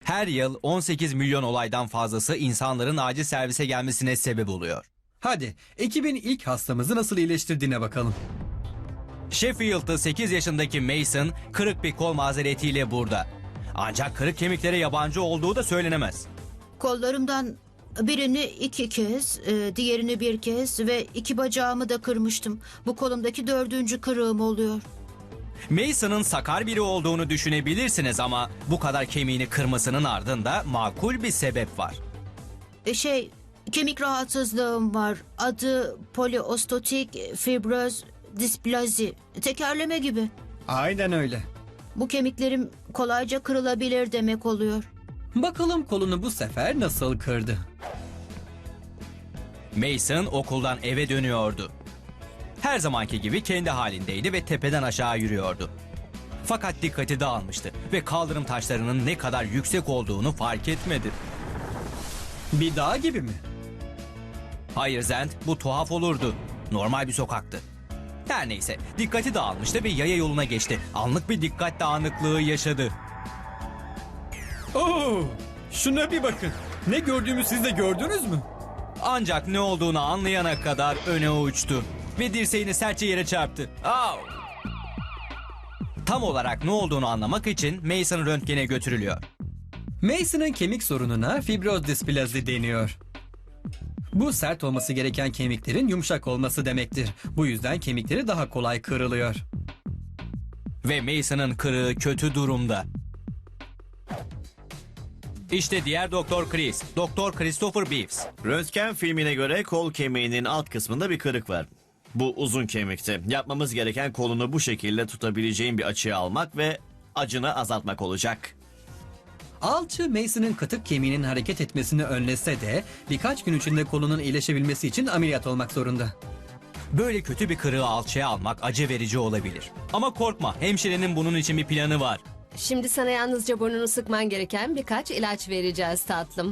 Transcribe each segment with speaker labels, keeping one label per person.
Speaker 1: Her yıl 18 milyon olaydan fazlası insanların acil servise gelmesine sebep oluyor.
Speaker 2: Hadi ekibin ilk hastamızı nasıl iyileştirdiğine bakalım.
Speaker 1: Sheffield'lı 8 yaşındaki Mason kırık bir kol mazeretiyle burada. Ancak kırık kemiklere yabancı olduğu da söylenemez.
Speaker 3: Kollarımdan birini 2 kez, diğerini 1 kez ve 2 bacağımı da kırmıştım. Bu kolumdaki 4. kırığım oluyor.
Speaker 1: Mason'ın sakar biri olduğunu düşünebilirsiniz ama bu kadar kemiğini kırmasının ardında makul bir sebep var.
Speaker 3: Kemik rahatsızlığım var. Adı poliostotik fibroz displazi. Tekerleme gibi.
Speaker 2: Aynen öyle.
Speaker 3: Bu kemiklerim kolayca kırılabilir demek oluyor.
Speaker 2: Bakalım kolunu bu sefer nasıl kırdı?
Speaker 1: Mason okuldan eve dönüyordu. Her zamanki gibi kendi halindeydi ve tepeden aşağı yürüyordu. Fakat dikkati dağılmıştı ve kaldırım taşlarının ne kadar yüksek olduğunu fark etmedi.
Speaker 2: Bir dağ gibi mi?
Speaker 1: Hayır Zend, bu tuhaf olurdu. Normal bir sokaktı. Her neyse, dikkati dağılmıştı ve yaya yoluna geçti. Anlık bir dikkat dağınıklığı yaşadı.
Speaker 2: Oo, şuna bir bakın. Ne gördüğümü siz de gördünüz mü?
Speaker 1: Ancak ne olduğunu anlayana kadar öne uçtu ve dirseğini sertçe yere çarptı. Au! Tam olarak ne olduğunu anlamak için Mason röntgene götürülüyor.
Speaker 2: Mason'ın kemik sorununa fibroz displazi deniyor. Bu sert olması gereken kemiklerin yumuşak olması demektir. Bu yüzden kemikleri daha kolay kırılıyor.
Speaker 1: Ve Mason'ın kırığı kötü durumda. İşte diğer Doktor Chris, Doktor Christopher Beeves.
Speaker 4: Röntgen filmine göre kol kemiğinin alt kısmında bir kırık var. Bu uzun kemikti. Yapmamız gereken kolunu bu şekilde tutabileceğin bir açıya almak ve acını azaltmak olacak.
Speaker 2: Alçı Mason'ın katık kemiğinin hareket etmesini önlese de birkaç gün içinde kolunun iyileşebilmesi için ameliyat olmak zorunda.
Speaker 1: Böyle kötü bir kırığı alçıya almak acı verici olabilir. Ama korkma, hemşirenin bunun için bir planı var.
Speaker 5: Şimdi sana yalnızca burnunu sıkman gereken birkaç ilaç vereceğiz tatlım.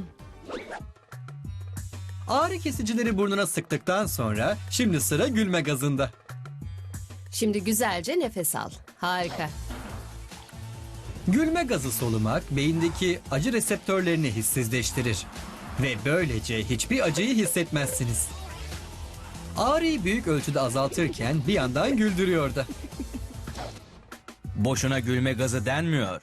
Speaker 2: Ağrı kesicileri burnuna sıktıktan sonra şimdi sıra gülme gazında.
Speaker 5: Şimdi güzelce nefes al. Harika.
Speaker 2: Gülme gazı solumak beyindeki acı reseptörlerini hissizleştirir. Ve böylece hiçbir acıyı hissetmezsiniz. Ağrıyı büyük ölçüde azaltırken bir yandan güldürüyor da.
Speaker 1: Boşuna gülme gazı denmiyor.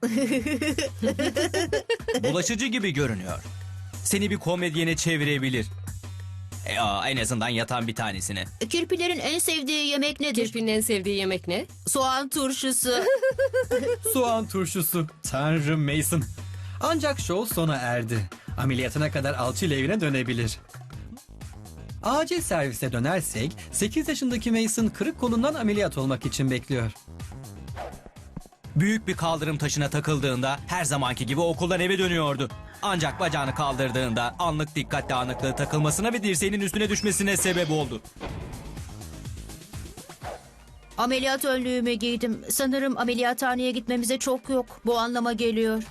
Speaker 1: Bulaşıcı gibi görünüyor. Seni bir komedyene çevirebilir. En azından yatan bir tanesini.
Speaker 3: Kirpilerin en sevdiği yemek nedir?
Speaker 5: Kirpinin en sevdiği yemek ne?
Speaker 3: Soğan turşusu.
Speaker 2: Soğan turşusu. Tanrım Mason. Ancak show sona erdi. Ameliyatına kadar alçıyla evine dönebilir. Acil servise dönersek 8 yaşındaki Mason kırık kolundan ameliyat olmak için bekliyor.
Speaker 1: Büyük bir kaldırım taşına takıldığında her zamanki gibi okuldan eve dönüyordu. Ancak bacağını kaldırdığında anlık dikkat dağınıklığı takılmasına ve dirseğinin üstüne düşmesine sebep oldu.
Speaker 3: Ameliyat önlüğümü giydim. Sanırım ameliyathaneye gitmemize çok yok. Bu anlama geliyor.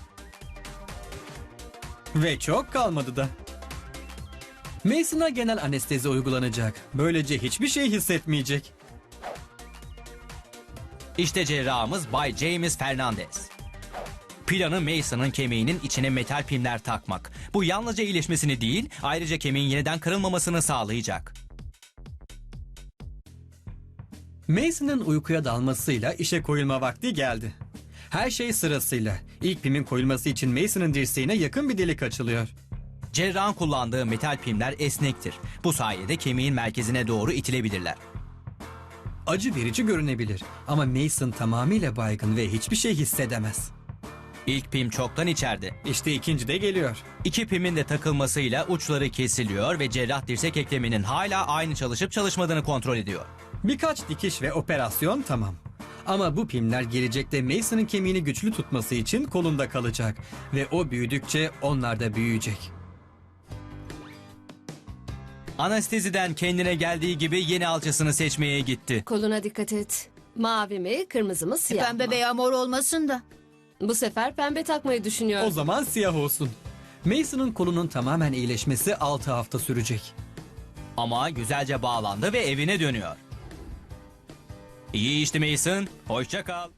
Speaker 2: Ve çok kalmadı da. Mason'a genel anestezi uygulanacak. Böylece hiçbir şey hissetmeyecek.
Speaker 1: İşte cerrahımız Bay James Fernandez. Planı Mason'ın kemiğinin içine metal pimler takmak. Bu yalnızca iyileşmesini değil, ayrıca kemiğin yeniden kırılmamasını sağlayacak.
Speaker 2: Mason'ın uykuya dalmasıyla işe koyulma vakti geldi. Her şey sırasıyla. İlk pimin koyulması için Mason'ın dirseğine yakın bir delik açılıyor.
Speaker 1: Cerrahın kullandığı metal pimler esnektir. Bu sayede kemiğin merkezine doğru itilebilirler.
Speaker 2: Acı verici görünebilir ama Mason tamamıyla baygın ve hiçbir şey hissedemez.
Speaker 1: İlk pim çoktan içeride.
Speaker 2: İşte ikinci de geliyor.
Speaker 1: İki pimin de takılmasıyla uçları kesiliyor ve cerrah dirsek ekleminin hala aynı çalışıp çalışmadığını kontrol ediyor.
Speaker 2: Birkaç dikiş ve operasyon tamam. Ama bu pimler gelecekte Mason'ın kemiğini güçlü tutması için kolunda kalacak. Ve o büyüdükçe onlar da büyüyecek.
Speaker 1: Anesteziden kendine geldiği gibi yeni alçısını seçmeye gitti.
Speaker 5: Koluna dikkat et. Mavi mi, kırmızı mı, siyah
Speaker 3: Pembe
Speaker 5: mı?
Speaker 3: veya mor olmasın da.
Speaker 5: Bu sefer pembe takmayı düşünüyor.
Speaker 2: O zaman siyah olsun. Mason'ın kolunun tamamen iyileşmesi 6 hafta sürecek.
Speaker 1: Ama güzelce bağlandı ve evine dönüyor. İyi işte Mason. Hoşça kal.